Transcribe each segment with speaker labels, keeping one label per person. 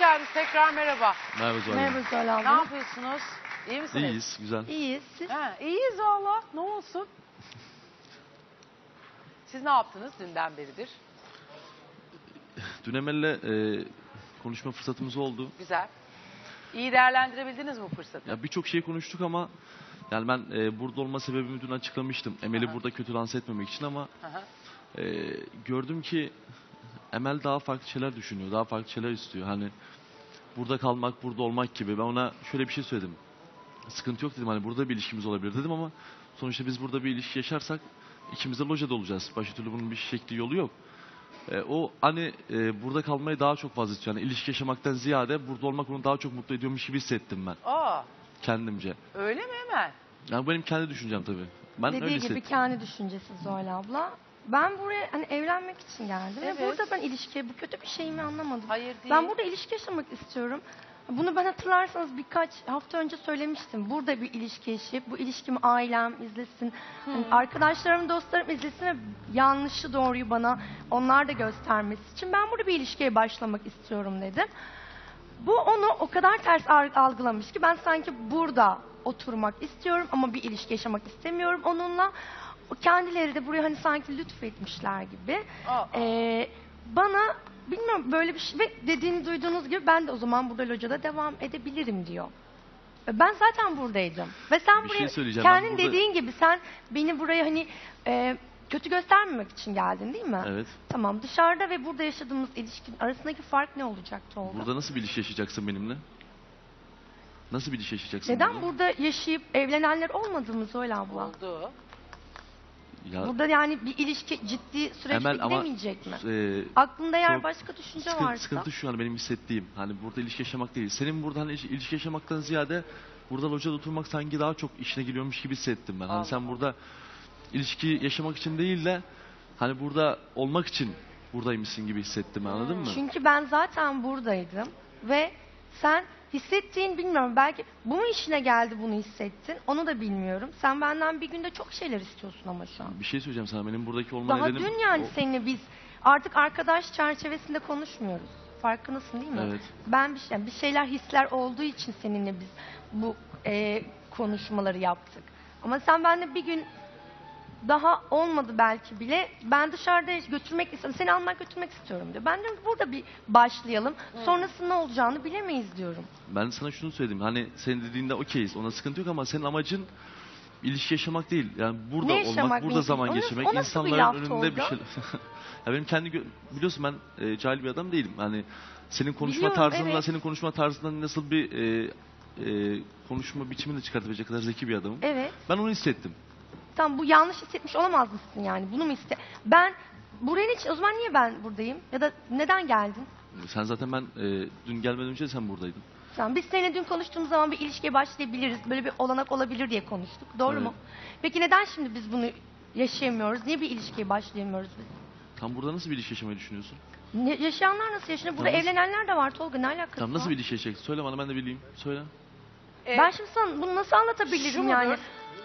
Speaker 1: geldiniz. Tekrar merhaba.
Speaker 2: Merhaba Zuhal
Speaker 3: Merhaba
Speaker 2: Hanım.
Speaker 3: Zuhal
Speaker 1: Ne
Speaker 3: abla.
Speaker 1: yapıyorsunuz? İyi misiniz?
Speaker 2: İyiyiz, güzel.
Speaker 3: İyiyiz. Siz?
Speaker 1: Ha, iyiyiz valla. Ne olsun? Siz ne yaptınız dünden beridir?
Speaker 2: Dün Emel'le konuşma fırsatımız oldu.
Speaker 1: Güzel. İyi değerlendirebildiniz mi bu fırsatı?
Speaker 2: Ya birçok şey konuştuk ama yani ben burada olma sebebimi dün açıklamıştım. Emel'i
Speaker 1: Aha.
Speaker 2: burada kötü lanse etmemek için ama
Speaker 1: Aha.
Speaker 2: gördüm ki Emel daha farklı şeyler düşünüyor, daha farklı şeyler istiyor. Hani burada kalmak, burada olmak gibi. Ben ona şöyle bir şey söyledim. Sıkıntı yok dedim, hani burada bir ilişkimiz olabilir dedim ama sonuçta biz burada bir ilişki yaşarsak ikimiz de lojada olacağız. Başka türlü bunun bir şekli yolu yok. O hani burada kalmayı daha çok fazla istiyor. Yani ilişki yaşamaktan ziyade burada olmak onu daha çok mutlu ediyormuş gibi hissettim ben
Speaker 1: Aa,
Speaker 2: kendimce.
Speaker 1: öyle mi hemen?
Speaker 2: Yani bu benim kendi düşüncem tabii. Ben öyle
Speaker 3: Dediği gibi
Speaker 2: hissettim.
Speaker 3: kendi düşüncesi Zuhal abla. Ben buraya hani evlenmek için geldim
Speaker 1: Evet.
Speaker 3: ve burada ben ilişkiye bu kötü bir şey mi anlamadım.
Speaker 1: Hayır değil.
Speaker 3: Ben burada ilişki yaşamak istiyorum. Bunu ben hatırlarsanız birkaç hafta önce söylemiştim. Burada bir ilişki yaşayıp bu ilişkimi ailem izlesin. Hani arkadaşlarım, dostlarım izlesin ve yanlışı doğruyu bana onlar da göstermesi için ben burada bir ilişkiye başlamak istiyorum dedim. Bu onu o kadar ters algılamış ki ben sanki burada oturmak istiyorum ama bir ilişki yaşamak istemiyorum onunla. O kendileri de buraya hani sanki lütfetmişler gibi.
Speaker 1: Aa.
Speaker 3: Bana bilmiyorum böyle bir şey ve dediğini duyduğunuz gibi ben de o zaman burada locada devam edebilirim diyor. Ben zaten buradaydım. Ve sen
Speaker 2: Bir
Speaker 3: buraya
Speaker 2: şey söyleyeceğim. Ben
Speaker 3: kendin
Speaker 2: burada-
Speaker 3: dediğin gibi sen beni buraya hani kötü göstermemek için geldin değil mi?
Speaker 2: Evet.
Speaker 3: Tamam, dışarıda ve burada yaşadığımız ilişkinin arasındaki fark ne olacaktı oldu?
Speaker 2: Burada nasıl bir ilişki yaşayacaksın benimle? Nasıl bir ilişki yaşayacaksın
Speaker 3: Neden
Speaker 2: benimle?
Speaker 3: burada yaşayıp evlenenler olmadığımız öyle abla?
Speaker 1: Oldu.
Speaker 2: Ya,
Speaker 3: Burada yani bir ilişki ciddi süreçte
Speaker 2: Emel ama
Speaker 3: gidemeyecek mi?
Speaker 2: e,
Speaker 3: Aklında eğer
Speaker 2: çok
Speaker 3: başka düşünce
Speaker 2: sıkıntı,
Speaker 3: varsa.
Speaker 2: sıkıntı şu an benim hissettiğim. Hani burada ilişki yaşamak değil. Senin burada hani ilişki yaşamaktan ziyade burada locada oturmak sanki daha çok işine geliyormuş gibi hissettim ben. Hani
Speaker 1: Allah
Speaker 2: sen
Speaker 1: Allah.
Speaker 2: burada ilişki yaşamak için değil de hani burada olmak için buradaymışsın gibi hissettim, anladın mı?
Speaker 3: Çünkü ben zaten buradaydım ve sen hissettiğin bilmiyorum belki bu mu işine geldi bunu hissettin onu da bilmiyorum. Sen benden bir günde çok şeyler istiyorsun ama şu an.
Speaker 2: Bir şey söyleyeceğim sana. Benim buradaki olma
Speaker 3: Daha
Speaker 2: nedenim...
Speaker 3: dün yani
Speaker 2: o-
Speaker 3: seninle biz artık arkadaş çerçevesinde konuşmuyoruz. Farkındasın değil mi?
Speaker 2: Evet.
Speaker 3: Ben bir şeyler hisler olduğu için seninle biz bu konuşmaları yaptık. Ama sen benimle bir gün daha olmadı belki bile. Ben dışarıda götürmek istiyorum. Seni almak götürmek istiyorum diyor. Ben diyorum ki burada bir başlayalım. Sonrasında ne olacağını bilemeyiz diyorum.
Speaker 2: Ben sana şunu söyledim. Hani senin dediğinde okeyiz. Ona sıkıntı yok ama senin amacın ilişki yaşamak değil. Yani burada
Speaker 3: Ne
Speaker 2: olmak,
Speaker 3: yaşamak
Speaker 2: burada
Speaker 3: benim?
Speaker 2: zaman
Speaker 3: O nasıl-
Speaker 2: geçirmek,
Speaker 3: o nasıl bir
Speaker 2: insanların
Speaker 3: laftı
Speaker 2: önünde bir
Speaker 3: Olga?
Speaker 2: şey. Ya benim kendi biliyorsun ben cahil bir adam değilim. Hani senin konuşma
Speaker 3: Biliyorum,
Speaker 2: tarzından,
Speaker 3: evet.
Speaker 2: senin konuşma tarzından nasıl bir konuşma biçimini de çıkartabilecek kadar zeki bir adamım.
Speaker 3: Evet.
Speaker 2: Ben onu hissettim.
Speaker 3: Tamam bu yanlış hissetmiş olamaz mısın yani? Bunu mu Ben buraya için o zaman niye ben buradayım? Ya da neden geldin?
Speaker 2: Sen zaten ben dün gelmeden önce de sen buradaydın.
Speaker 3: Tamam, biz seninle dün konuştuğumuz zaman bir ilişkiye başlayabiliriz. Böyle bir olanak olabilir diye konuştuk. Doğru
Speaker 2: Evet.
Speaker 3: mu? Peki neden şimdi biz bunu yaşayamıyoruz? Niye bir ilişkiye başlayamıyoruz biz?
Speaker 2: Tam burada nasıl bir ilişki yaşamayı düşünüyorsun?
Speaker 3: Yaşayanlar nasıl yaşanıyor? Burada
Speaker 2: Tamam.
Speaker 3: evlenenler de var Tolga. Ne alakası
Speaker 2: Tam nasıl
Speaker 3: var?
Speaker 2: bir ilişki yaşayacaksın? Söyle bana, ben de bileyim. Söyle.
Speaker 3: Ben şimdi sana bunu nasıl anlatabilirim
Speaker 1: Şu
Speaker 3: yani?
Speaker 1: mudur?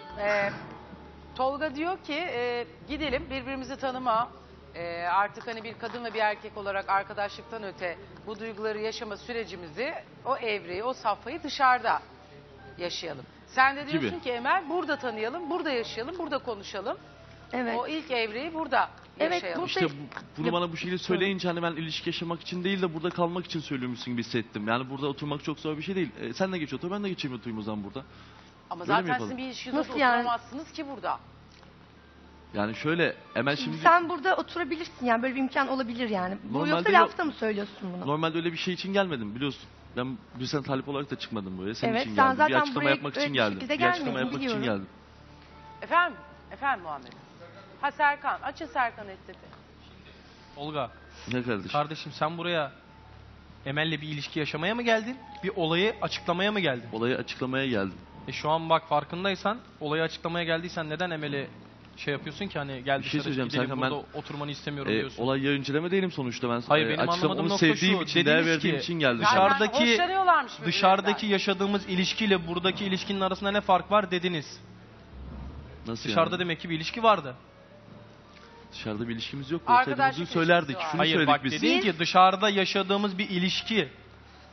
Speaker 1: Tolga diyor ki gidelim birbirimizi tanıma. Artık hani bir kadın ve bir erkek olarak arkadaşlıktan öte bu duyguları yaşama sürecimizi, o evreyi, o safhayı dışarıda yaşayalım. Sen de diyorsun
Speaker 2: Gibi.
Speaker 1: ki Emel burada tanıyalım, burada yaşayalım, burada konuşalım.
Speaker 3: Evet.
Speaker 1: O ilk evreyi burada
Speaker 3: Evet,
Speaker 1: yaşayalım.
Speaker 3: bu-
Speaker 2: İşte bunu
Speaker 3: Ya-
Speaker 2: bana bu şekilde söyleyince hani ben ilişki yaşamak için değil de burada kalmak için söylüyormuşsun gibi hissettim. Yani burada oturmak çok zor bir şey değil. Sen de geç otur, ben de geçeyim oturayım o zaman burada.
Speaker 1: Ama
Speaker 2: Böyle mi
Speaker 1: zaten
Speaker 2: yapalım?
Speaker 1: sizin bir ilişkinizde
Speaker 3: Nasıl yani?
Speaker 1: oturamazsınız ki burada.
Speaker 2: Yani şöyle Emel şimdi
Speaker 3: Sen burada oturabilirsin yani böyle bir imkan olabilir yani. Bu
Speaker 2: Normalde
Speaker 3: yoksa
Speaker 2: yok.
Speaker 3: lafta mı söylüyorsun bunu?
Speaker 2: normalde öyle bir şey için gelmedim biliyorsun. Ben bir sen talip olarak da çıkmadım buraya. Senin
Speaker 3: Evet,
Speaker 2: için
Speaker 3: sen
Speaker 2: geldim.
Speaker 3: zaten
Speaker 2: Bir açıklama
Speaker 3: buraya
Speaker 2: yapmak için
Speaker 3: öyle bir
Speaker 2: geldim.
Speaker 3: şekilde
Speaker 2: Bir açıklama
Speaker 3: gelmedin,
Speaker 2: yapmak için
Speaker 3: biliyorum.
Speaker 2: geldim.
Speaker 1: Efendim Muhammed. Ha Serkan, açın Serkan sesi.
Speaker 4: Olga,
Speaker 2: Ne kardeşim?
Speaker 4: kardeşim sen buraya Emel'le bir ilişki yaşamaya mı geldin? Bir olayı açıklamaya mı geldin?
Speaker 2: Olayı açıklamaya geldim.
Speaker 4: Şu an bak farkındaysan olayı açıklamaya geldiysen neden Emel'e şey yapıyorsun ki hani gel
Speaker 2: Bir şey
Speaker 4: dışarı
Speaker 2: söyleyeceğim
Speaker 4: gidelim
Speaker 2: Serkan,
Speaker 4: burada oturmanı istemiyorum diyorsun.
Speaker 2: Olay yayıncılama değilim sonuçta. Ben
Speaker 4: Hayır, benim
Speaker 2: açıklamamı
Speaker 4: anlamadığım
Speaker 2: onu
Speaker 4: nokta
Speaker 2: sevdiğim
Speaker 4: şu,
Speaker 2: için, değer
Speaker 4: dediniz
Speaker 2: verdiğim
Speaker 4: ki,
Speaker 2: için geldim.
Speaker 4: dışarıdaki-
Speaker 1: Zaten hoşlanıyorlarmış birbirinden.
Speaker 4: Dışarıdaki yaşadığımız ilişkiyle buradaki ilişkinin arasında ne fark var dediniz.
Speaker 2: Nasıl
Speaker 4: Dışarıda
Speaker 2: yani?
Speaker 4: demek ki bir ilişki vardı.
Speaker 2: Dışarıda bir ilişkimiz yok.
Speaker 1: Arkadaşlık
Speaker 2: Olsaydı bunu söylerdik.
Speaker 1: ilişkisi var.
Speaker 2: Şunu
Speaker 4: Hayır
Speaker 2: söyledik
Speaker 4: bak
Speaker 2: biz.
Speaker 4: dedin ki dışarıda yaşadığımız bir ilişki.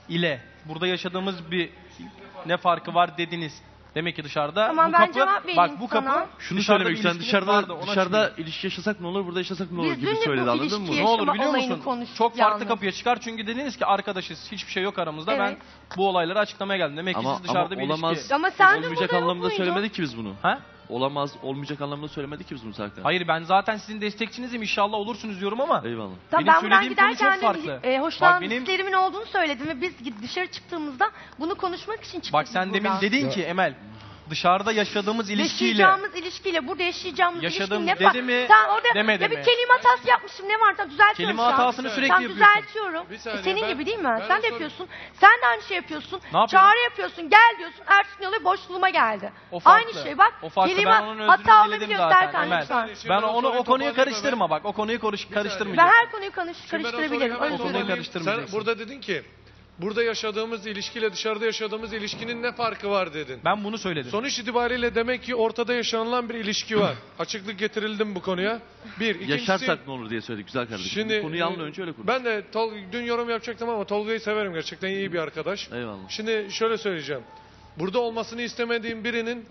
Speaker 4: ile burada yaşadığımız bir ne farkı var dediniz. Demek ki dışarıda
Speaker 3: Tamam,
Speaker 4: bu
Speaker 3: ben
Speaker 4: kapı,
Speaker 3: cevap vereyim
Speaker 4: bak bu kapı
Speaker 3: sana.
Speaker 2: Şunu
Speaker 4: dışarıda
Speaker 2: söylemek
Speaker 4: bir
Speaker 2: istedim.
Speaker 4: ilişkiniz vardı, ona
Speaker 2: Dışarıda
Speaker 4: açmayın.
Speaker 2: ilişki yaşasak ne olur, burada yaşasak ne olur
Speaker 3: Biz
Speaker 2: gibi
Speaker 3: dün de
Speaker 2: söyledi,
Speaker 3: bu
Speaker 2: anladın mı?
Speaker 3: ilişkiyi
Speaker 4: Ne olur
Speaker 3: yaşama
Speaker 4: biliyor
Speaker 3: olayını
Speaker 4: musun?
Speaker 3: konuştuk
Speaker 4: Çok farklı
Speaker 3: yalnız.
Speaker 4: kapıya çıkar çünkü dediniz ki arkadaşız, hiçbir şey yok aramızda.
Speaker 3: Evet.
Speaker 4: Ben bu olayları açıklamaya geldim. Demek ki siz dışarıda bir
Speaker 2: olamaz,
Speaker 4: ilişki...
Speaker 3: Ama sen de
Speaker 2: olmayacak
Speaker 3: burada yok
Speaker 2: anlamda
Speaker 3: muydun?
Speaker 2: söylemedik ki biz bunu.
Speaker 4: Ha?
Speaker 2: Olamaz, olmayacak anlamda söylemedik ki biz bunu Serkan.
Speaker 4: Hayır, ben zaten sizin destekçinizim, inşallah olursunuz diyorum ama
Speaker 2: Eyvallah.
Speaker 3: Tamam,
Speaker 4: Benim
Speaker 3: ben buradan
Speaker 4: söylediğim konu
Speaker 3: giderken
Speaker 4: çok farklı.
Speaker 3: de hoşlanan
Speaker 4: Bak benim-
Speaker 3: hislerimin olduğunu söyledim ve biz dışarı çıktığımızda bunu konuşmak için çıktık
Speaker 4: bak
Speaker 3: biz
Speaker 4: sen demin
Speaker 3: buradan.
Speaker 4: dedin ki Emel, dışarıda yaşadığımız ilişkiyle
Speaker 3: Yaşayacağımız ilişkiyle burada yaşayacağımız
Speaker 4: Yaşadığım
Speaker 3: ilişki ne
Speaker 4: dedi
Speaker 3: var?
Speaker 4: mi,
Speaker 3: Sen orada
Speaker 4: demedi
Speaker 3: ya bir
Speaker 4: mi?
Speaker 3: kelime hatası yapmışım, ne var? Tamam, düzeltiyorum
Speaker 4: Kelime
Speaker 3: şu an.
Speaker 4: hatasını sürekli
Speaker 3: Tamam,
Speaker 4: yapıyorsun.
Speaker 3: düzeltiyorum.
Speaker 5: Bir saniye,
Speaker 3: Senin
Speaker 5: ben-
Speaker 3: gibi değil mi?
Speaker 5: ben
Speaker 3: Sen de
Speaker 5: sorayım.
Speaker 3: yapıyorsun. Sen de aynı şey yapıyorsun.
Speaker 4: Ne yapıyorum?
Speaker 3: Çağrı yapıyorsun. Gel diyorsun. Ertesi gün oluyor, boşluğuma geldi.
Speaker 4: O farklı.
Speaker 3: Aynı şey bak.
Speaker 4: O farklı.
Speaker 3: Kelime
Speaker 4: Ben onun özrünü
Speaker 3: hata
Speaker 4: diledim
Speaker 3: olabiliyor
Speaker 4: zaten,
Speaker 3: Serkan
Speaker 4: Emel.
Speaker 3: lütfen.
Speaker 5: Şimdi
Speaker 4: ben
Speaker 5: ben
Speaker 4: onu o konuyu
Speaker 5: toparlayayım
Speaker 4: karıştırma
Speaker 5: hemen.
Speaker 4: bak. O konuyu
Speaker 3: Ben
Speaker 4: karıştırmayacağım.
Speaker 3: her konuyu
Speaker 5: Şimdi ben o soruyu
Speaker 3: karıştırabilirim.
Speaker 5: hemen
Speaker 3: Özür
Speaker 4: konuyu
Speaker 3: dilerim.
Speaker 4: karıştırmayacaksın.
Speaker 5: Sen burada dedin ki burada yaşadığımız ilişkiyle dışarıda yaşadığımız ilişkinin ne farkı var dedin.
Speaker 4: Ben bunu söyledim.
Speaker 5: Sonuç itibariyle demek ki ortada yaşanılan bir ilişki var. Açıklık getirildim bu konuya. Bir. İkincisi,
Speaker 2: Yaşarsak ne olur diye söyledik güzel kardeşim.
Speaker 5: Şimdi
Speaker 2: Bu konuyu anla önce öyle konuş.
Speaker 5: ben de dün yorum yapacaktım ama Tolga'yı severim, gerçekten iyi bir arkadaş.
Speaker 2: Eyvallah.
Speaker 5: Şimdi şöyle söyleyeceğim. Burada olmasını istemediğim birinin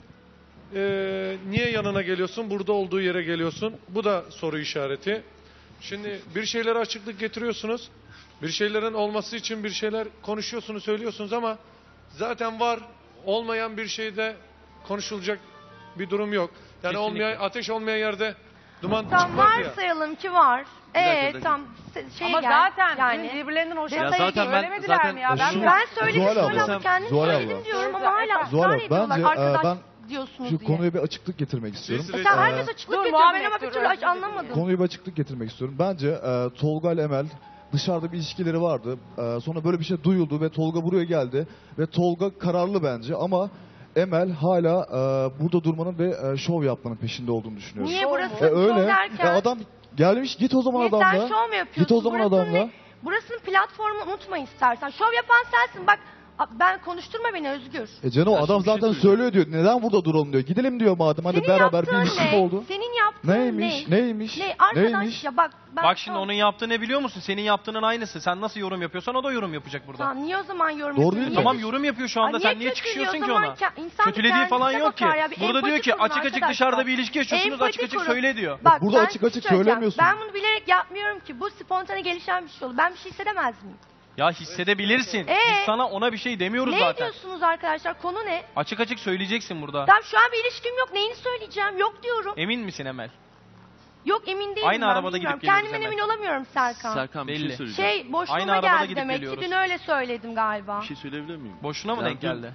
Speaker 5: niye yanına geliyorsun, burada olduğu yere geliyorsun? Bu da soru işareti. Şimdi bir şeylere açıklık getiriyorsunuz. Bir şeylerin olması için bir şeyler konuşuyorsunuz, söylüyorsunuz ama zaten var, olmayan bir şeyde konuşulacak bir durum yok. Yani
Speaker 4: Kesinlikle.
Speaker 5: ateş olmayan yerde duman
Speaker 3: Tamam,
Speaker 5: çıkmaz ya.
Speaker 3: varsayalım ki var.
Speaker 2: dakika.
Speaker 3: Tam şey
Speaker 1: Ama
Speaker 3: gel.
Speaker 1: zaten
Speaker 3: yani.
Speaker 1: birbirlerinden
Speaker 3: Ya
Speaker 1: hoşlandığı
Speaker 2: zaten
Speaker 1: için
Speaker 2: ben-
Speaker 1: söylemediler
Speaker 2: zaten
Speaker 1: mi ya?
Speaker 2: şunu-
Speaker 3: Ben söyledim,
Speaker 6: Zuhal abla.
Speaker 3: Zuhal abla kendim
Speaker 6: Zuhal
Speaker 3: söyledim
Speaker 6: abla.
Speaker 3: diyorum ama hala
Speaker 6: Zuhal
Speaker 3: ısrar
Speaker 6: abla,
Speaker 3: ediyorlar.
Speaker 6: bence,
Speaker 3: Arkadaş
Speaker 6: ben
Speaker 3: diyorsunuz
Speaker 6: Şu
Speaker 3: diye.
Speaker 6: konuya bir açıklık getirmek istiyorum.
Speaker 5: Siz-
Speaker 3: Sen herkes açıklık
Speaker 1: Dur,
Speaker 3: getiriyor. Ben
Speaker 1: Muhammed,
Speaker 3: ama bir
Speaker 1: dur,
Speaker 3: türlü
Speaker 1: özür
Speaker 3: anlamadım.
Speaker 6: Konuya bir açıklık getirmek istiyorum. Bence Tolga ile Emel dışarıda bir ilişkileri vardı. Sonra böyle bir şey duyuldu ve Tolga buraya geldi. Ve Tolga kararlı bence ama Emel hala burada durmanın ve şov yapmanın peşinde olduğunu düşünüyorum.
Speaker 3: Niye
Speaker 1: Şov
Speaker 3: burası
Speaker 1: mu?
Speaker 3: şov
Speaker 6: Öyle.
Speaker 3: derken?
Speaker 6: Adam gelmiş, git o zaman
Speaker 3: Niye sen
Speaker 6: adamla.
Speaker 3: şov mu yapıyorsun?
Speaker 6: Git o zaman
Speaker 3: Burasının
Speaker 6: adamla.
Speaker 3: Burasının platformunu unutma istersen. Şov yapan sensin. Bak ben konuşturma beni Özgür.
Speaker 6: Cano
Speaker 2: Ya
Speaker 6: adam
Speaker 2: şimdi bir şey
Speaker 6: zaten
Speaker 2: söyleyeceğim.
Speaker 6: söylüyor diyor. Neden burada duralım diyor. Gidelim diyor madem. Hadi
Speaker 3: Senin
Speaker 6: beraber bir
Speaker 3: yaptığın
Speaker 6: ilişki
Speaker 3: ne?
Speaker 6: oldu.
Speaker 3: Senin yaptığın
Speaker 6: Neymiş?
Speaker 3: ne?
Speaker 6: Neymiş?
Speaker 3: Ne? Arkadaş
Speaker 6: Neymiş?
Speaker 3: ya bak. Ben
Speaker 4: Bak şimdi
Speaker 3: tamam.
Speaker 4: onun yaptığı ne biliyor musun? Senin yaptığının aynısı. Sen nasıl yorum yapıyorsan o da yorum yapacak burada.
Speaker 3: Tamam, niye o zaman yorum
Speaker 6: Doğru
Speaker 3: yapıyorsun?
Speaker 6: değil mi?
Speaker 3: Niye
Speaker 4: Tamam,
Speaker 3: düş-
Speaker 4: yorum yapıyor şu anda.
Speaker 3: Ay,
Speaker 4: Sen niye
Speaker 3: kötülüyor?
Speaker 4: çıkışıyorsun
Speaker 3: O
Speaker 4: ki
Speaker 3: zaman
Speaker 4: ona?
Speaker 3: insan bir
Speaker 4: Kötülediği falan
Speaker 3: kendisine
Speaker 4: yok ki.
Speaker 3: bakar ya. Bir
Speaker 4: Burada diyor
Speaker 3: empati
Speaker 4: ki
Speaker 3: kurun
Speaker 4: açık açık
Speaker 3: arkadaşlar.
Speaker 4: dışarıda bir ilişki yaşıyorsunuz,
Speaker 3: Empati
Speaker 4: açık açık
Speaker 3: kurun.
Speaker 4: söyle diyor.
Speaker 3: Bak,
Speaker 6: Burada
Speaker 3: ben
Speaker 6: açık
Speaker 3: bir şey
Speaker 6: açık
Speaker 3: söyleyeceğim.
Speaker 6: söylemiyorsun.
Speaker 3: Ben bunu bilerek yapmıyorum ki. Bu spontane gelişen bir şey oldu. Ben bir şey hissedemez miyim?
Speaker 4: Ya hissedebilirsin. Biz sana ona bir şey demiyoruz
Speaker 3: Ne
Speaker 4: zaten.
Speaker 3: diyorsunuz arkadaşlar? Konu ne?
Speaker 4: Açık açık söyleyeceksin burada.
Speaker 3: Tamam, şu an bir ilişkim yok. Neyini söyleyeceğim? Yok diyorum.
Speaker 4: Emin misin Emel?
Speaker 3: Yok, emin değilim.
Speaker 4: Aynı
Speaker 3: ben,
Speaker 4: arabada
Speaker 3: bilmiyorum.
Speaker 4: gidip geliyoruz
Speaker 3: Kendimden
Speaker 4: hemen.
Speaker 3: emin olamıyorum Serkan.
Speaker 2: Serkan bir
Speaker 4: Belli.
Speaker 2: şey söyleyeceğim.
Speaker 3: Şey boşluğuma
Speaker 4: Aynı arabada
Speaker 3: geldi
Speaker 4: gidip
Speaker 3: demek ki.
Speaker 4: geliyoruz.
Speaker 3: Dün öyle söyledim galiba.
Speaker 2: Bir şey söyleyebilir miyim?
Speaker 4: Boşuna mı
Speaker 2: Ya
Speaker 4: denk
Speaker 2: dün-
Speaker 4: geldi?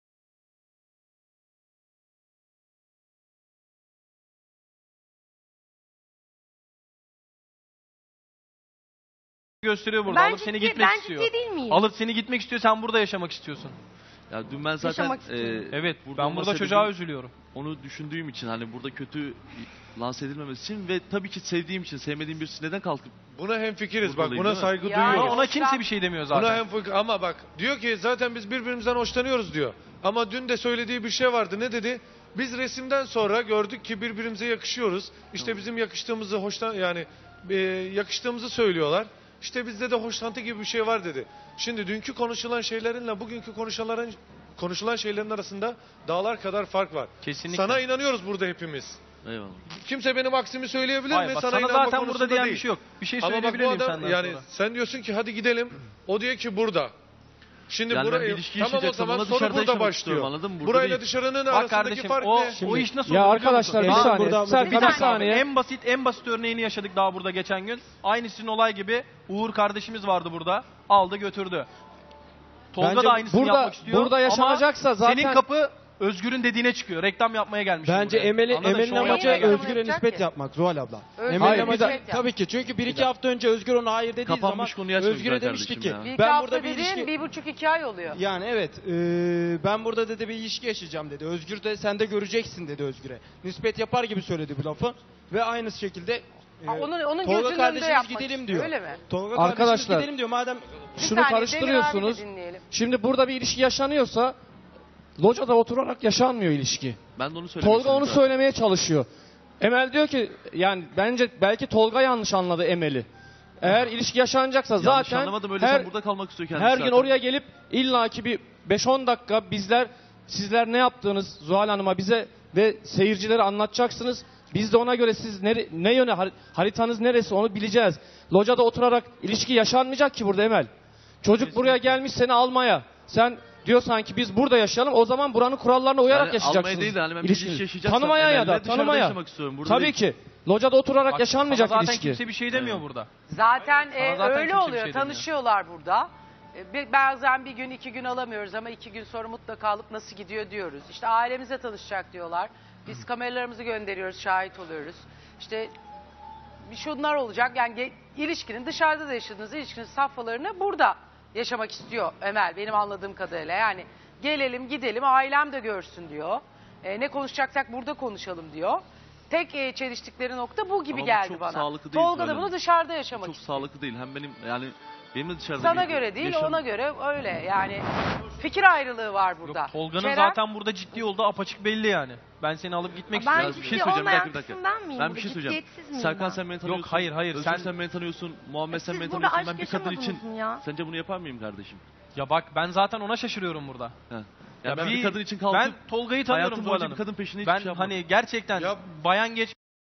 Speaker 4: Gösteriyor burada.
Speaker 3: Ben
Speaker 4: Alıp seni
Speaker 3: ciddi,
Speaker 4: gitmek
Speaker 3: ben
Speaker 4: istiyor.
Speaker 3: ciddi değil miyim?
Speaker 4: Alıp seni gitmek istiyor. Sen burada yaşamak istiyorsun.
Speaker 2: Ya dün ben zaten
Speaker 3: Yaşamak istiyorum.
Speaker 4: Evet.
Speaker 2: burada
Speaker 4: ben
Speaker 2: olma
Speaker 4: burada
Speaker 2: sebebim
Speaker 4: çocuğa üzülüyorum.
Speaker 2: onu düşündüğüm için hani burada kötü lanse edilmemesi için ve tabii ki sevdiğim için sevmediğim birisi neden kalkıp
Speaker 5: Buna hemfikiriz, bak
Speaker 2: Buradayım,
Speaker 5: buna
Speaker 2: değil mi?
Speaker 5: saygı
Speaker 1: Ya,
Speaker 5: duyuyoruz.
Speaker 4: Ona
Speaker 1: Yoksa-
Speaker 4: kimse bir şey demiyor
Speaker 5: Buna
Speaker 4: zaten.
Speaker 5: hemfikir ama bak diyor ki zaten biz birbirimizden hoşlanıyoruz diyor. Ama dün de söylediği bir şey vardı. Ne dedi? Biz resimden sonra gördük ki birbirimize yakışıyoruz. İşte bizim yakıştığımızı yakıştığımızı söylüyorlar. İşte bizde de hoşlantı gibi bir şey var dedi. Şimdi dünkü konuşulan şeylerinle bugünkü konuşulan şeylerin arasında dağlar kadar fark var.
Speaker 4: Kesinlikle.
Speaker 5: Sana inanıyoruz burada hepimiz.
Speaker 2: eyvallah.
Speaker 5: Kimse benim aksimi söyleyebilir
Speaker 4: Hayır,
Speaker 5: mi?
Speaker 4: bak,
Speaker 5: Sana
Speaker 4: sana
Speaker 5: inanma
Speaker 4: zaten
Speaker 5: konusunda
Speaker 4: burada diyen
Speaker 5: değil.
Speaker 4: bir şey yok. Bir şey
Speaker 5: Ama bak
Speaker 4: söyleyebilir
Speaker 5: bu
Speaker 4: miyim
Speaker 5: adam
Speaker 4: senden
Speaker 5: yani
Speaker 4: sonra?
Speaker 5: sen diyorsun ki hadi gidelim. O diyor ki burada. Şimdi
Speaker 2: Yani ben
Speaker 5: burayı
Speaker 2: bir ilişki
Speaker 5: tamam o
Speaker 2: yaşayacaksam
Speaker 5: zaman
Speaker 2: ona
Speaker 5: soru
Speaker 2: dışarıda
Speaker 5: burada
Speaker 2: yaşamak
Speaker 5: başlıyor.
Speaker 2: istiyorum, anladın mı? Burada
Speaker 5: Burayla
Speaker 2: değil.
Speaker 5: dışarının
Speaker 4: Bak
Speaker 5: arasındaki
Speaker 4: kardeşim
Speaker 5: fark
Speaker 4: o,
Speaker 5: ne?
Speaker 4: o iş nasıl
Speaker 7: Ya
Speaker 4: olur biliyor
Speaker 7: arkadaşlar,
Speaker 4: musun?
Speaker 7: bir
Speaker 4: Bak,
Speaker 7: saniye.
Speaker 4: burada-
Speaker 7: Serkan,
Speaker 4: bir
Speaker 7: bir
Speaker 4: dakika abi.
Speaker 7: saniye.
Speaker 4: En basit örneğini yaşadık daha burada geçen gün. Aynı sizin olay gibi Uğur kardeşimiz vardı burada. Aldı götürdü. Tolga
Speaker 7: Bence
Speaker 4: da aynısını
Speaker 7: burada-
Speaker 4: yapmak istiyor.
Speaker 7: burada yaşanacaksa
Speaker 4: ama
Speaker 7: zaten-
Speaker 4: senin kapı Özgür'ün dediğine çıkıyor. Reklam yapmaya gelmiş.
Speaker 7: Bence
Speaker 4: buraya.
Speaker 7: Emel'in
Speaker 4: Anladın?
Speaker 7: Emel'in
Speaker 4: Şov
Speaker 7: amacı
Speaker 4: yapmaya gelmiş.
Speaker 7: Özgür'e
Speaker 1: yapacak
Speaker 7: nispet
Speaker 1: ki.
Speaker 7: yapmak Zuhal abla.
Speaker 1: Özgür'e
Speaker 7: Emel'in
Speaker 1: nispet
Speaker 7: amacı
Speaker 1: yap.
Speaker 7: tabii ki çünkü 1-2 hafta önce Özgür ona hayır dediği zaman
Speaker 2: Kapanmış konuyu açma
Speaker 7: Özgür'e
Speaker 2: güzel
Speaker 7: demişti ki
Speaker 2: kardeşim ya.
Speaker 1: Bir iki
Speaker 7: ben
Speaker 1: hafta
Speaker 7: burada bir
Speaker 1: dediğin
Speaker 7: ilişki
Speaker 1: 1,5-2 ay oluyor.
Speaker 7: yani evet ben burada dedi bir ilişki yaşayacağım dedi. Özgür de sen de göreceksin dedi Özgür'e. Nispet yapar gibi söyledi bu lafı ve aynı şekilde
Speaker 1: Ha, onun
Speaker 7: Tolga
Speaker 1: gözünün önünde
Speaker 7: kardeşimiz
Speaker 1: yapmak
Speaker 7: gidelim
Speaker 1: istiyor,
Speaker 7: diyor.
Speaker 1: öyle mi?
Speaker 7: Tolga
Speaker 8: Arkadaşlar,
Speaker 7: kardeşimiz gidelim diyor madem
Speaker 1: Bir
Speaker 8: şunu
Speaker 1: saniye, Demir
Speaker 8: karıştırıyorsunuz.
Speaker 1: abi de dinleyelim.
Speaker 8: Şimdi burada bir ilişki yaşanıyorsa locada oturarak yaşanmıyor ilişki.
Speaker 2: Ben de onu söylemek
Speaker 8: Tolga onu
Speaker 2: istedim zaten.
Speaker 8: söylemeye çalışıyor. Emel diyor ki yani bence belki Tolga yanlış anladı Emel'i. Eğer ilişki yaşanacaksa
Speaker 2: Yanlış
Speaker 8: zaten
Speaker 2: anlamadım, öyle sen burada kalmak istiyor kendisi
Speaker 8: her gün
Speaker 2: zaten.
Speaker 8: oraya gelip illaki bir 5-10 dakika sizler ne yaptığınız Zuhal Hanım'a bize ve seyircilere anlatacaksınız. Biz de ona göre siz ne yöne haritanız neresi onu bileceğiz. Locada oturarak ilişki yaşanmayacak ki burada Emel. Çocuk buraya gelmiş seni almaya. Sen diyorsan ki biz burada yaşayalım, o zaman buranın kurallarına uyarak
Speaker 2: Yani
Speaker 8: yaşayacaksınız.
Speaker 2: almaya değil de hani ben bir
Speaker 8: İlişkiniz.
Speaker 2: ilişki yaşayacaksam
Speaker 8: Tanımaya ya
Speaker 2: Emel'le
Speaker 8: da
Speaker 2: dışarıda
Speaker 8: tanımaya.
Speaker 2: yaşamak istiyorum, burada
Speaker 8: Tabii
Speaker 2: değil.
Speaker 8: ki. Locada oturarak
Speaker 4: Bak,
Speaker 8: yaşanmayacak
Speaker 4: sana zaten
Speaker 8: ilişki.
Speaker 4: kimse bir şey demiyor burada.
Speaker 1: Zaten
Speaker 4: Sana zaten
Speaker 1: öyle
Speaker 4: kimse bir
Speaker 1: oluyor.
Speaker 4: şey demiyor.
Speaker 1: Tanışıyorlar burada. Bazen bir gün 2 gün alamıyoruz ama 2 gün sonra mutlaka alıp nasıl gidiyor diyoruz. İşte ailemize tanışacak diyorlar. Biz kameralarımızı gönderiyoruz, şahit oluyoruz. İşte şunlar olacak. Yani ilişkinin dışarıda da yaşadığınız ilişkinin safhalarını burada yaşamak istiyor Emel benim anladığım kadarıyla. Yani gelelim gidelim ailem de görsün diyor. Ne konuşacaksak burada konuşalım diyor. Tek çeliştikleri nokta bu gibi
Speaker 2: Ama bu
Speaker 1: geldi
Speaker 2: çok
Speaker 1: bana.
Speaker 2: sağlıklı değil
Speaker 1: Tolga da
Speaker 2: Zuhal
Speaker 1: bunu
Speaker 2: Hanım.
Speaker 1: dışarıda yaşamak
Speaker 2: Çok
Speaker 1: istiyor.
Speaker 2: sağlıklı değil. Hem benim de dışarıda
Speaker 1: Sana
Speaker 2: bir
Speaker 1: göre değil
Speaker 2: yaşam-
Speaker 1: ona göre öyle yani fikir ayrılığı var burada.
Speaker 4: Yok, Tolga'nın
Speaker 1: Kerem,
Speaker 4: zaten burada ciddi olduğu apaçık belli yani. Ben seni alıp gitmek
Speaker 3: Ben
Speaker 4: istiyorum.
Speaker 2: Bir
Speaker 3: ciddi
Speaker 2: şey söyleyeceğim, bir
Speaker 3: olmayan
Speaker 2: dakika, bir dakika.
Speaker 3: kısım ben miyim?
Speaker 2: Ben
Speaker 3: burada?
Speaker 2: bir şey söyleyeceğim.
Speaker 3: Ciddiyetsiz miyim
Speaker 2: Serkan
Speaker 3: ben?
Speaker 2: sen beni tanıyorsun.
Speaker 4: hayır,
Speaker 2: Özgür
Speaker 4: sen-
Speaker 2: beni tanıyorsun. Muhammed sen
Speaker 3: Siz
Speaker 2: beni
Speaker 3: burada
Speaker 2: tanıyorsun.
Speaker 3: aşk
Speaker 2: Ben bir kadın için...
Speaker 3: yaşamadınız mı ya?
Speaker 2: Sence bunu yapar mıyım kardeşim?
Speaker 4: Ya bak ben zaten ona şaşırıyorum burada.
Speaker 2: Heh.
Speaker 4: Ya
Speaker 2: Ya ben bir kadın için kalkıp
Speaker 4: ben Tolga'yı tanıyorum
Speaker 2: hayatım
Speaker 4: Zuhal
Speaker 2: boyunca
Speaker 4: Hanım.
Speaker 2: bir kadın peşinde hiçbir
Speaker 4: Ben
Speaker 2: şey yapmadım.
Speaker 4: hani gerçekten
Speaker 5: Ya-
Speaker 4: bayan geç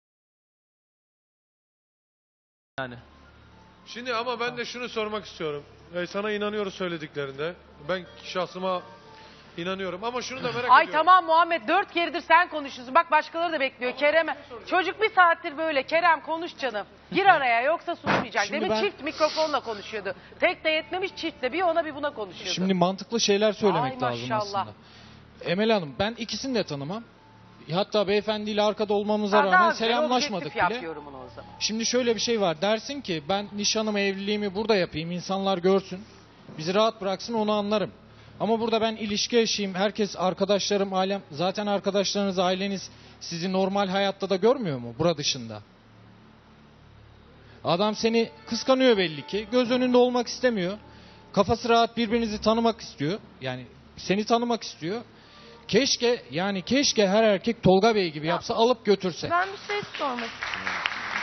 Speaker 4: yani.
Speaker 5: Şimdi ama ben de şunu sormak istiyorum. Sana inanıyoruz söylediklerinde. Ben şahsıma inanıyorum ama şunu da merak
Speaker 1: Ay
Speaker 5: ediyorum.
Speaker 1: tamam Muhammed 4 keredir sen konuşuyorsun. Bak başkaları da bekliyor. Kerem çocuk bir saattir böyle. Kerem konuş canım. Gir araya yoksa susmayacak.
Speaker 9: Şimdi
Speaker 1: Demin
Speaker 9: ben-
Speaker 1: çift mikrofonla konuşuyordu. Tek de yetmemiş çiftle bir ona bir buna konuşuyordu.
Speaker 9: Şimdi mantıklı şeyler söylemek
Speaker 1: Ay
Speaker 9: lazım
Speaker 1: maşallah.
Speaker 9: aslında. Emel Hanım ben ikisini de tanımam. Hatta beyefendiyle arkada olmamıza
Speaker 1: Ben
Speaker 9: rağmen
Speaker 1: daha güzel,
Speaker 9: selamlaşmadık
Speaker 1: objektif
Speaker 9: bile.
Speaker 1: yap yorumunu o zaman.
Speaker 9: Şimdi şöyle bir şey var. Dersin ki ben nişanımı, evliliğimi burada yapayım. İnsanlar görsün. Bizi rahat bıraksın onu anlarım. Ama burada ben ilişki yaşayayım. Herkes arkadaşlarım, ailem. Zaten arkadaşlarınız, aileniz sizi normal hayatta da görmüyor mu? Bura dışında. Adam seni kıskanıyor belli ki. Göz önünde olmak istemiyor. Kafası rahat birbirinizi tanımak istiyor. Yani seni tanımak istiyor. Keşke her erkek Tolga Bey gibi yapsa, alıp götürse.
Speaker 3: Ben bir şey sormak istiyorum.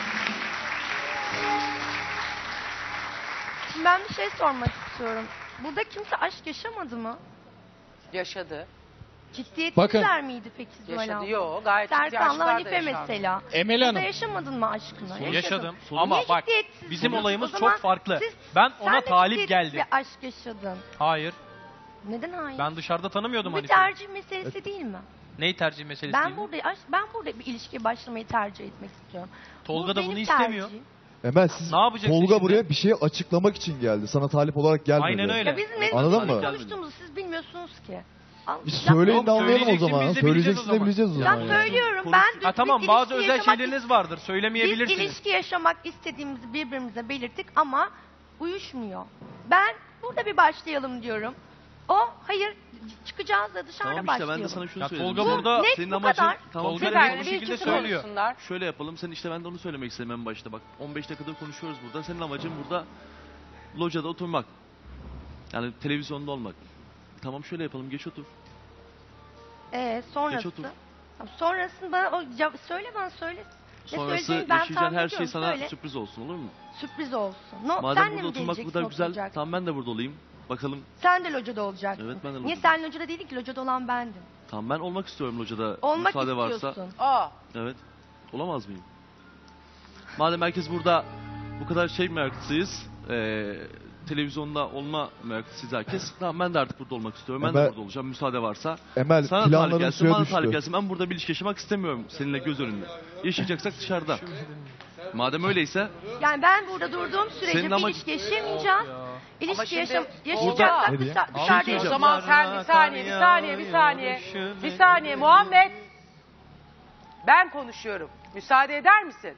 Speaker 3: Şimdi ben bir şey sormak istiyorum. Burada kimse aşk yaşamadı mı?
Speaker 1: Yaşadı.
Speaker 3: Ciddiyetsizler miydi peki Zuhal
Speaker 1: Yaşadı.
Speaker 3: abla?
Speaker 1: Yok gayet ciddi
Speaker 3: Serkan'la
Speaker 1: aşklar da
Speaker 3: Hanife
Speaker 1: yaşandı.
Speaker 3: mesela.
Speaker 9: Emel
Speaker 3: Burada
Speaker 9: Hanım.
Speaker 3: yaşamadın mı aşkını?
Speaker 4: Yaşadım.
Speaker 3: Niye
Speaker 4: Ama bak
Speaker 3: ciddiyetsiz
Speaker 4: bizim
Speaker 3: diyorsun?
Speaker 4: olayımız
Speaker 3: O zaman
Speaker 4: çok farklı.
Speaker 3: siz-
Speaker 4: Ben
Speaker 3: sen
Speaker 4: ona
Speaker 3: de
Speaker 4: talip
Speaker 3: ciddiyetsiz
Speaker 4: geldim.
Speaker 3: bir aşk yaşadın.
Speaker 4: Hayır.
Speaker 3: Neden hayır?
Speaker 4: Ben dışarıda tanımıyordum
Speaker 3: Bu bir
Speaker 4: hani.
Speaker 3: tercih meselesi değil mi?
Speaker 4: Neyi tercih meselesi
Speaker 3: Ben
Speaker 4: değil mi?
Speaker 3: burada bir ilişkiye başlamayı tercih etmek istiyorum.
Speaker 4: Tolga
Speaker 3: Bu
Speaker 4: da
Speaker 3: benim
Speaker 4: bunu istemiyor.
Speaker 3: tercihim.
Speaker 6: Emel siz
Speaker 4: Ne yapacaksın
Speaker 6: Tolga
Speaker 4: şimdi?
Speaker 6: buraya bir şeyi açıklamak için geldi. Sana talip olarak gelmedi.
Speaker 4: Aynen öyle.
Speaker 3: Ya bizim ne
Speaker 6: Anladın
Speaker 3: ne
Speaker 6: mı?
Speaker 3: konuştuğumuzu siz bilmiyorsunuz ki.
Speaker 6: Biz
Speaker 3: Ya-
Speaker 6: söyleyin
Speaker 4: Yok,
Speaker 6: de anlayalım o
Speaker 4: söyleyeceksin,
Speaker 6: zaman.
Speaker 4: biz de bileceğiz
Speaker 6: Söyleyeceksin
Speaker 4: o
Speaker 6: de
Speaker 4: zaman.
Speaker 6: bileceğiz o
Speaker 3: Ya
Speaker 6: zaman. yani.
Speaker 3: söylüyorum
Speaker 2: Konuş-
Speaker 3: ben
Speaker 4: Ha tamam
Speaker 3: biz
Speaker 4: bazı
Speaker 3: ilişki
Speaker 4: özel
Speaker 3: yaşamak
Speaker 4: şeyleriniz
Speaker 3: ist-
Speaker 4: vardır.
Speaker 3: Biz
Speaker 4: Söylemeyebilirsiniz.
Speaker 3: ilişki yaşamak istediğimizi birbirimize belirttik ama uyuşmuyor. Ben burada bir başlayalım diyorum. O hayır çıkacağız da dışarıda
Speaker 2: Tamam işte
Speaker 3: başlayalım.
Speaker 2: ben de sana şunu
Speaker 4: Ya
Speaker 2: söyledim.
Speaker 4: Tolga burada
Speaker 3: net
Speaker 2: senin
Speaker 3: bu
Speaker 2: amacın
Speaker 3: kadar.
Speaker 2: tamam
Speaker 4: Tolga
Speaker 1: Bir
Speaker 2: şöyle,
Speaker 4: net
Speaker 1: tane
Speaker 4: bu
Speaker 1: bir
Speaker 4: şekilde
Speaker 1: ikisi
Speaker 4: söylüyor.
Speaker 1: konuşsunlar.
Speaker 2: şöyle yapalım. Sen işte ben de onu söylemek istedim en başta. Bak 15 dakikadır konuşuyoruz burada. Senin amacın burada locada oturmak. Yani televizyonda olmak. Tamam şöyle yapalım. Geç otur.
Speaker 3: Sonrası.
Speaker 2: Geç otur.
Speaker 3: Tamam, sonrasını bana söyle bana söyle. Ne
Speaker 2: Sonrası
Speaker 3: söyleyeceğini ben
Speaker 2: yaşayacağın
Speaker 3: tahmin
Speaker 2: her şey
Speaker 3: ediyorum,
Speaker 2: sana
Speaker 3: söyle.
Speaker 2: sürpriz olsun, olur mu?
Speaker 3: Sürpriz olsun. No,
Speaker 2: Madem
Speaker 3: sen de
Speaker 2: burada
Speaker 3: mi
Speaker 2: oturmak bu
Speaker 3: geleceksin
Speaker 2: kadar güzel,
Speaker 3: oturacaksın?
Speaker 2: tamam ben de burada olayım. Bakalım.
Speaker 3: Sen de locada olacaksın.
Speaker 2: Evet, ben de
Speaker 3: Niye
Speaker 2: locada.
Speaker 3: sen locada değildin ki? Locada olan bendim.
Speaker 2: Tamam ben olmak istiyorum locada.
Speaker 3: Olmak
Speaker 2: müsaade varsa.
Speaker 3: istiyorsun.
Speaker 1: Aa,
Speaker 2: Evet. Olamaz mıyım? Madem herkes burada bu kadar şey meraklısıyız. Televizyonda olma meraklısıyız herkes. Tamam ben de artık burada olmak istiyorum. Ben de
Speaker 6: Ben-
Speaker 2: burada olacağım müsaade varsa.
Speaker 6: Emel
Speaker 2: Sana talip
Speaker 6: planların
Speaker 2: gelsin,
Speaker 6: suya
Speaker 2: bana talip
Speaker 6: düştü.
Speaker 2: gelsin. Ben burada bir ilişki yaşamak istemiyorum seninle göz önünde. Yaşayacaksak dışarıda. Madem öyleyse
Speaker 3: Yani ben burada durduğum sürece
Speaker 2: Senin
Speaker 3: bir
Speaker 2: amacın-
Speaker 3: ilişki yaşayamayacağım.
Speaker 1: Ama
Speaker 3: İlişki
Speaker 1: şimdi-
Speaker 3: yaşayacaksak
Speaker 6: Ne diye?
Speaker 3: dışarıda
Speaker 1: o
Speaker 3: yaşayacağım.
Speaker 1: zaman sen bir saniye Muhammed. Ben konuşuyorum. Müsaade eder misin?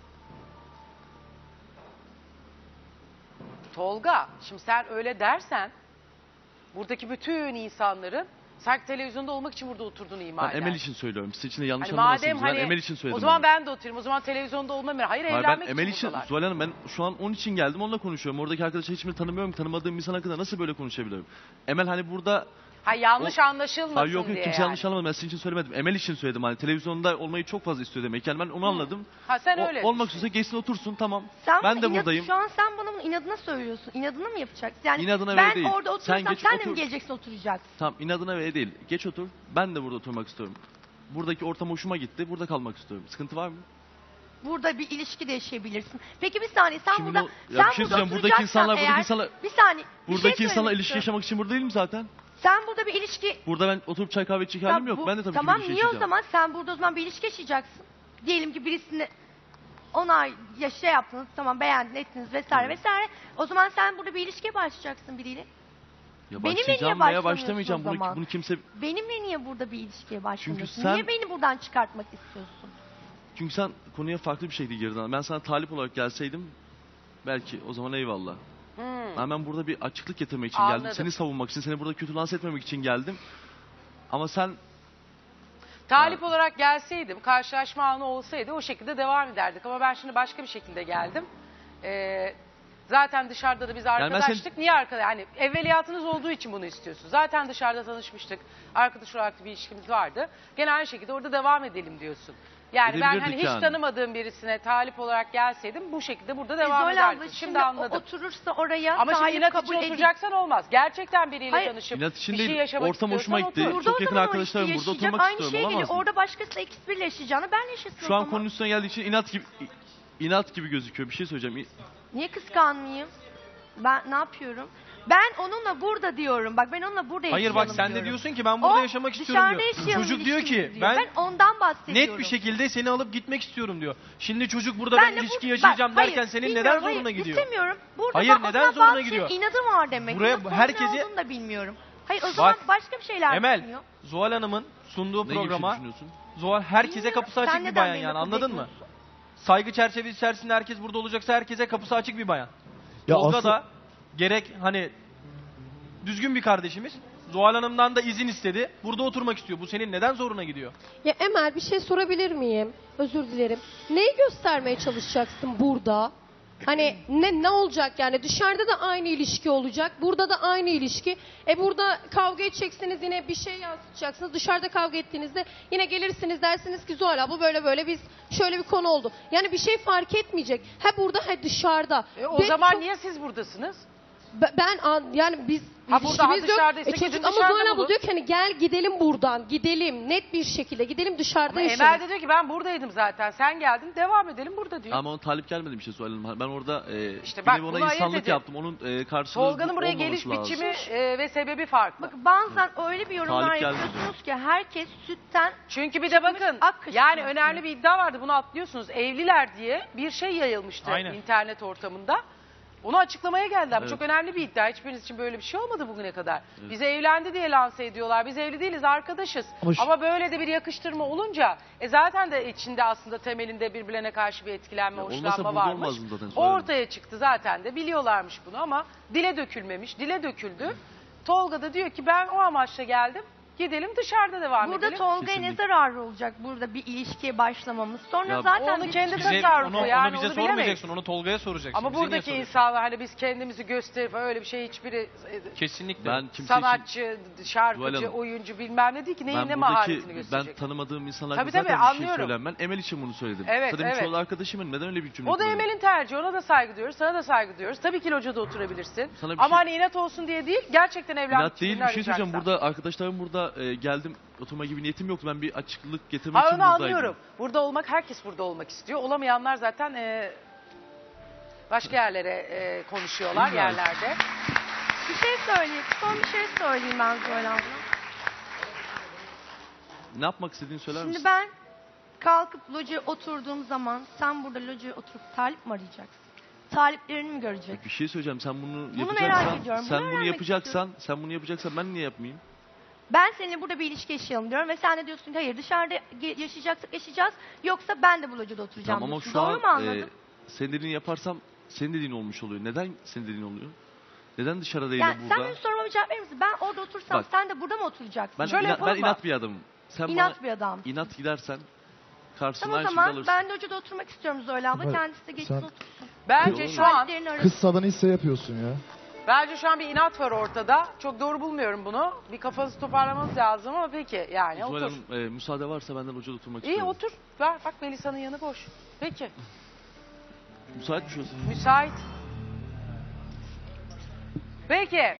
Speaker 1: Tolga, şimdi sen öyle dersen buradaki bütün insanların sanki televizyonda olmak için burada oturduğunu ima
Speaker 2: ben
Speaker 1: eder.
Speaker 2: Emel için söylüyorum. Siz için de yanlış
Speaker 1: Hani
Speaker 2: anlamasınız.
Speaker 1: madem
Speaker 2: Ben
Speaker 1: hani
Speaker 2: Emel için söyledim.
Speaker 1: o zaman
Speaker 2: onu.
Speaker 1: ben de oturayım. O zaman televizyonda olmam. Hayır,
Speaker 2: Hayır,
Speaker 1: evlenmek
Speaker 2: ben Emel için,
Speaker 1: buradalar.
Speaker 2: Zuhal Hanım ben şu an onun için geldim onunla konuşuyorum. Oradaki arkadaşı hiçbirini tanımıyorum. Tanımadığım insan hakkında nasıl böyle konuşabilirim? Emel hani burada
Speaker 1: Ha yanlış anlaşılmasın
Speaker 2: Hayır yok
Speaker 1: diye
Speaker 2: kimse
Speaker 1: yani.
Speaker 2: yanlış anlamadı. Ben sizin için söylemedim. Emel için söyledim. Hani televizyonda olmayı çok fazla istiyor demek. Yani ben onu anladım.
Speaker 1: Ha sen öyle.
Speaker 2: Olmak istiyorsa geçsin otursun tamam.
Speaker 3: Sen
Speaker 2: Ben
Speaker 3: bunu
Speaker 2: de buradayım.
Speaker 3: Şu an sen bana bunu inadına söylüyorsun. İnadına mı yapacaksın? Yani
Speaker 2: İnadına
Speaker 3: ben
Speaker 2: ve değil.
Speaker 3: orada oturursam
Speaker 2: Sen
Speaker 3: sen,
Speaker 2: geç,
Speaker 3: de mi
Speaker 2: otur.
Speaker 3: geleceksin oturacaksın?
Speaker 2: Tamam inadına ve değil. Geç otur. Ben de burada oturmak istiyorum. Buradaki ortam hoşuma gitti. Burada kalmak istiyorum. Sıkıntı var mı?
Speaker 3: Burada bir ilişki de yaşayabilirsin. Peki bir saniye sen
Speaker 2: Şimdi
Speaker 3: burada
Speaker 2: o- ya
Speaker 3: sen
Speaker 2: bir şey
Speaker 3: burada
Speaker 2: söyleyeceğim. Buradaki
Speaker 3: oturacaksan
Speaker 2: insanlar, buradaki
Speaker 3: eğer-
Speaker 2: insanlar-
Speaker 3: bir saniye. bir
Speaker 2: Buradaki
Speaker 3: şey
Speaker 2: insanlar
Speaker 3: söylemek
Speaker 2: ilişki
Speaker 3: istiyorum.
Speaker 2: yaşamak için burada değil mi zaten?
Speaker 3: Sen burada bir ilişki
Speaker 2: Burada ben oturup çay kahve içecek halim yok. Ben de tabii
Speaker 3: tamam,
Speaker 2: ki bir ilişki
Speaker 3: niye o
Speaker 2: yaşayacağım.
Speaker 3: zaman sen burada o zaman bir ilişki yaşayacaksın. Diyelim ki birisini onay ya şey yaptınız tamam beğendin ettiniz vesaire vesaire. O zaman sen burada bir ilişkiye başlayacaksın biriyle.
Speaker 2: Ya
Speaker 3: Benimle niye
Speaker 2: başlayacağım veya
Speaker 3: başlamıyorsun
Speaker 2: başlamayacağım.
Speaker 3: o
Speaker 2: Bunu,
Speaker 3: zaman?
Speaker 2: bunu kimse...
Speaker 3: Benimle niye burada bir ilişkiye başlamıyorsun?
Speaker 2: sen-
Speaker 3: Niye beni buradan çıkartmak istiyorsun?
Speaker 2: Çünkü sen konuya farklı bir şekilde girdin. Ben sana talip olarak gelseydim belki o zaman eyvallah. Ben burada bir açıklık getirmek için
Speaker 1: Anladım.
Speaker 2: geldim. Seni savunmak için, seni burada kötü lanse etmemek için geldim. Ama sen
Speaker 1: Talip olarak gelseydim, karşılaşma anı olsaydı o şekilde devam ederdik. Ama ben şimdi başka bir şekilde geldim. Zaten dışarıda da biz
Speaker 2: ben
Speaker 1: arkadaştık. Niye arkadaş? Yani evveliyatınız olduğu için bunu istiyorsun. Zaten dışarıda tanışmıştık. Arkadaş olarak bir ilişkimiz vardı. Gene aynı şekilde orada devam edelim diyorsun. Yani ben hani
Speaker 2: Edebilirdik
Speaker 1: hiç
Speaker 2: yani.
Speaker 1: tanımadığım birisine talip olarak gelseydim bu şekilde burada devam
Speaker 3: Zol
Speaker 1: ederdim.
Speaker 3: abla
Speaker 1: Şimdi
Speaker 3: şimdi
Speaker 1: anladım.
Speaker 3: oturursa oraya
Speaker 1: Ama şimdi
Speaker 3: talip
Speaker 1: inat
Speaker 3: kabul
Speaker 1: için
Speaker 3: edip
Speaker 1: oturacaksan olmaz. Gerçekten biriyle
Speaker 3: Hayır.
Speaker 1: tanışıp
Speaker 2: inat için
Speaker 1: bir şey
Speaker 2: değil,
Speaker 1: yaşamak
Speaker 2: ortam hoşuma
Speaker 1: istiyorsan
Speaker 2: gitti.
Speaker 1: otur.
Speaker 3: burada
Speaker 2: Çok
Speaker 3: o
Speaker 2: yakın
Speaker 3: zaman o
Speaker 2: arkadaşlarım
Speaker 3: ilişkiyi
Speaker 2: burada
Speaker 3: yaşayacak.
Speaker 2: oturmak
Speaker 3: Aynı
Speaker 2: istiyorum,
Speaker 3: şey
Speaker 2: olamaz
Speaker 3: geliyor.
Speaker 2: mı?
Speaker 3: Orada başkasıyla X1 ile yaşayacağını ben yaşasın
Speaker 2: Şu
Speaker 3: o
Speaker 2: an
Speaker 3: zaman.
Speaker 2: konunun üstüne geldiği için inat gibi gözüküyor. Bir şey söyleyeceğim.
Speaker 3: Niye kıskanmayayım? Ben ne yapıyorum? Ben onunla burada diyorum. Bak ben onunla burada
Speaker 4: Hayır
Speaker 3: yaşayalım
Speaker 4: bak sen de
Speaker 3: diyorum.
Speaker 4: diyorsun ki ben burada
Speaker 3: O
Speaker 4: yaşamak istiyorum
Speaker 3: dışarıda
Speaker 4: diyor.
Speaker 3: yaşayalım
Speaker 4: Çocuk diyor ki
Speaker 3: ilişkimizi diyor.
Speaker 4: ben
Speaker 3: Ben ondan bahsediyorum.
Speaker 4: net bir şekilde seni alıp gitmek istiyorum diyor. Şimdi çocuk burada
Speaker 3: Ben
Speaker 4: ben
Speaker 3: de
Speaker 4: ilişki
Speaker 3: bak,
Speaker 4: yaşayacağım
Speaker 3: hayır,
Speaker 4: derken senin
Speaker 3: bilmiyorum,
Speaker 4: neden
Speaker 3: hayır,
Speaker 4: zoruna gidiyor?
Speaker 3: İstemiyorum. Burada
Speaker 4: Hayır,
Speaker 3: bak, o
Speaker 4: neden
Speaker 3: zaman
Speaker 4: zoruna
Speaker 3: bazı
Speaker 4: gidiyor?
Speaker 3: inadı var demek.
Speaker 4: Buraya
Speaker 3: Nasıl
Speaker 4: herkesi-
Speaker 3: ne olduğunu da bilmiyorum. Hayır o zaman başka bir şeyler
Speaker 4: Emel,
Speaker 3: düşünüyor.
Speaker 4: Zuhal Hanım'ın sunduğu
Speaker 2: Ne gibi bir şey
Speaker 4: programa
Speaker 2: düşünüyorsun?
Speaker 4: Zuhal herkese
Speaker 3: Bilmiyorum,
Speaker 4: kapısı
Speaker 3: sen
Speaker 4: açık bir
Speaker 3: neden
Speaker 4: bayan
Speaker 3: benimle
Speaker 4: yani
Speaker 3: kabul
Speaker 4: anladın mı?
Speaker 3: etmiyorsun?
Speaker 4: Saygı çerçevesi içerisinde herkes burada olacaksa herkese kapısı açık bir bayan.
Speaker 6: Ya
Speaker 4: Tolga
Speaker 6: aslında-
Speaker 4: da gerek hani düzgün bir kardeşimiz. Zuhal Hanım'dan da izin istedi. Burada oturmak istiyor. Bu senin neden zoruna gidiyor?
Speaker 10: Ya Emel bir şey sorabilir miyim? Özür dilerim. Neyi göstermeye çalışacaksın burada? Hani ne olacak yani dışarıda da aynı ilişki olacak. Burada da aynı ilişki. Burada kavga edeceksiniz yine bir şey yansıtacaksınız. Dışarıda kavga ettiğinizde yine gelirsiniz dersiniz ki Zuhal abla böyle böyle biz şöyle bir konu oldu. Yani bir şey fark etmeyecek. Ha burada ha dışarıda.
Speaker 1: O
Speaker 10: Ve
Speaker 1: zaman
Speaker 10: çok-
Speaker 1: niye siz buradasınız?
Speaker 10: yani biz
Speaker 1: Ha, burada, ha,
Speaker 10: ilişkimiz yok.
Speaker 1: dışarıdaysa gidin
Speaker 10: Çocuk ama
Speaker 1: dışarıda
Speaker 10: Zuhal abla
Speaker 1: bulun.
Speaker 10: diyor ki hani gel gidelim buradan. Gidelim net bir şekilde gidelim dışarıda
Speaker 1: Ama
Speaker 10: yaşayalım.
Speaker 1: Emel de diyor ki ben buradaydım zaten. Sen geldin devam edelim burada diyor.
Speaker 2: Ama ona talip gelmedi bir şey söyledim. Ben orada
Speaker 1: İşte
Speaker 2: bir
Speaker 1: bak,
Speaker 2: nevi
Speaker 1: bunu
Speaker 2: ona
Speaker 1: ayırt
Speaker 2: insanlık
Speaker 1: edin.
Speaker 2: yaptım. Onun karşılığı
Speaker 1: Tolga'nın buraya
Speaker 2: olmaması
Speaker 1: geliş
Speaker 2: lazım.
Speaker 1: biçimi ve sebebi farklı.
Speaker 3: Bak bazen öyle bir yorumlar
Speaker 2: Talip gelmedi.
Speaker 3: yapıyorsunuz ki herkes sütten
Speaker 1: Çünkü bir de bakın
Speaker 3: ak kaşık
Speaker 1: yani
Speaker 3: diyorsun.
Speaker 1: önemli bir iddia vardı bunu atlıyorsunuz. Evliler diye bir şey yayılmıştı
Speaker 4: Aynen.
Speaker 1: internet ortamında. Onu açıklamaya geldiler. Bu
Speaker 2: Evet.
Speaker 1: çok önemli bir iddia. Hiçbiriniz için böyle bir şey olmadı bugüne kadar. Bize evlendi diye lanse ediyorlar. Biz evli değiliz arkadaşız.
Speaker 6: Ama
Speaker 1: böyle de bir yakıştırma olunca zaten de içinde aslında temelinde birbirlerine karşı bir etkilenme,
Speaker 2: Ya olmasa
Speaker 1: hoşlanma
Speaker 2: burada
Speaker 1: varmış.
Speaker 2: olmazdı zaten,
Speaker 1: O
Speaker 2: söylerim.
Speaker 1: ortaya çıktı zaten de biliyorlarmış bunu ama dile dökülmemiş. Dile döküldü. Tolga da diyor ki ben o amaçla geldim. Gidelim dışarıda devam
Speaker 3: Burada
Speaker 1: edelim.
Speaker 3: Tolga'ya ne
Speaker 2: Kesinlikle.
Speaker 3: zararı olacak burada bir ilişkiye başlamamız? Sonra
Speaker 2: Ya,
Speaker 3: zaten
Speaker 1: onu
Speaker 3: biz-
Speaker 1: kendi
Speaker 4: Bize,
Speaker 1: tasarrufu
Speaker 4: onu
Speaker 1: yani
Speaker 4: bize
Speaker 1: onu
Speaker 4: sormayacaksın.
Speaker 1: bilemeyiz.
Speaker 4: Onu Tolga'ya soracaksın.
Speaker 1: Ama
Speaker 4: Bize niye
Speaker 1: buradaki
Speaker 4: soruyorsun?
Speaker 1: insanlar hani biz kendimizi gösterip öyle bir şey hiçbiri
Speaker 4: Kesinlikle.
Speaker 2: Ben kimse için,
Speaker 1: sanatçı,
Speaker 2: Zuhal
Speaker 1: şarkıcı,
Speaker 2: Hanım,
Speaker 1: oyuncu bilmem ne değil ki neyin
Speaker 2: ben
Speaker 1: ne
Speaker 2: buradaki
Speaker 1: maharetini
Speaker 2: ben
Speaker 1: gösterecek.
Speaker 2: tanımadığım insanlar
Speaker 1: Tabii,
Speaker 2: zaten
Speaker 1: tabii,
Speaker 2: bir şey
Speaker 1: anlıyorum.
Speaker 2: söylem. Ben Emel için bunu söyledim.
Speaker 1: Evet,
Speaker 2: Zaten
Speaker 1: evet.
Speaker 2: çoğu arkadaşımın neden öyle bir cümle
Speaker 1: O da
Speaker 2: kullanıyorum?
Speaker 1: Emel'in tercihi. Ona da saygı duyuyoruz. Sana da saygı duyuyoruz. Tabii ki locada oturabilirsin.
Speaker 2: Sana bir
Speaker 1: Ama
Speaker 2: şey-
Speaker 1: hani inat olsun diye değil. Gerçekten evlenmek
Speaker 2: İnat değil
Speaker 1: için
Speaker 2: bir şey söyleyeceğim.
Speaker 1: arayacaksan.
Speaker 2: Burada arkadaşlarım burada geldim oturma gibi niyetim yoktu. Ben bir açıklık getirmek
Speaker 1: Ha,
Speaker 2: için
Speaker 1: onu
Speaker 2: buradaydım.
Speaker 1: anlıyorum. Burada olmak herkes burada olmak istiyor. Olamayanlar zaten başka yerlere konuşuyorlar
Speaker 2: Güzel.
Speaker 1: yerlerde.
Speaker 3: bir şey söyleyeyim. Son bir şey söyleyeyim ben Zuhal abla.
Speaker 2: Ne yapmak istediğini söyler
Speaker 3: Şimdi
Speaker 2: misin?
Speaker 3: ben kalkıp locaya oturduğum zaman sen burada locaya oturup talip mi arayacaksın? Taliplerini mi göreceksin?
Speaker 2: Bir şey söyleyeceğim. Sen bunu
Speaker 3: merak
Speaker 2: yapacaksan,
Speaker 3: ediyorum,
Speaker 2: sen
Speaker 3: bunu
Speaker 2: bunu
Speaker 3: öğrenmek
Speaker 2: yapacaksan ben niye yapmayayım?
Speaker 3: Ben seninle burada bir ilişki yaşayalım diyorum ve sen de diyorsun ki hayır dışarıda yaşayacaksak yaşayacağız yoksa ben de bu locada oturacağım
Speaker 2: Tamam ama
Speaker 3: diyorsun.
Speaker 2: şu
Speaker 3: Doğru mu
Speaker 2: an
Speaker 3: anladın?
Speaker 2: senin dediğini yaparsam senin dediğin olmuş oluyor. Neden senin dediğin oluyor? Neden dışarıda değil
Speaker 3: Yani
Speaker 2: de
Speaker 3: sen
Speaker 2: burada?
Speaker 3: benim soruma bir cevap verir misin? Ben orada otursam
Speaker 2: Bak.
Speaker 3: sen de burada mı oturacaksın?
Speaker 2: Ben,
Speaker 1: Şöyle yapalım mı?
Speaker 2: inat bir adamım. Sen
Speaker 3: İnat
Speaker 2: bana
Speaker 3: bir adam.
Speaker 2: inat gidersen karşısına
Speaker 3: Tamam o
Speaker 2: aynı şekilde
Speaker 3: zaman
Speaker 2: alırsın.
Speaker 3: ben de locada oturmak istiyorum Zuhal abla.
Speaker 6: Ama
Speaker 3: Kendisi de geçsin
Speaker 6: sen-
Speaker 3: otursun.
Speaker 1: Bence
Speaker 2: Olur
Speaker 1: şu an
Speaker 3: Taliplerini arasın.
Speaker 6: Kız sana ise yapıyorsun ya.
Speaker 1: Bence şu an bir inat var ortada. Çok doğru bulmuyorum bunu. Bir kafanızı toparlamanız lazım ama peki yani
Speaker 2: Zuhal
Speaker 1: otur.
Speaker 2: Hanım müsaade varsa benden hocada oturmak
Speaker 1: İyi
Speaker 2: istiyorum.
Speaker 1: otur. Ver bak Melisa'nın yanı boş. Peki.
Speaker 2: Müsait mi şurası?
Speaker 1: Müsait. Peki.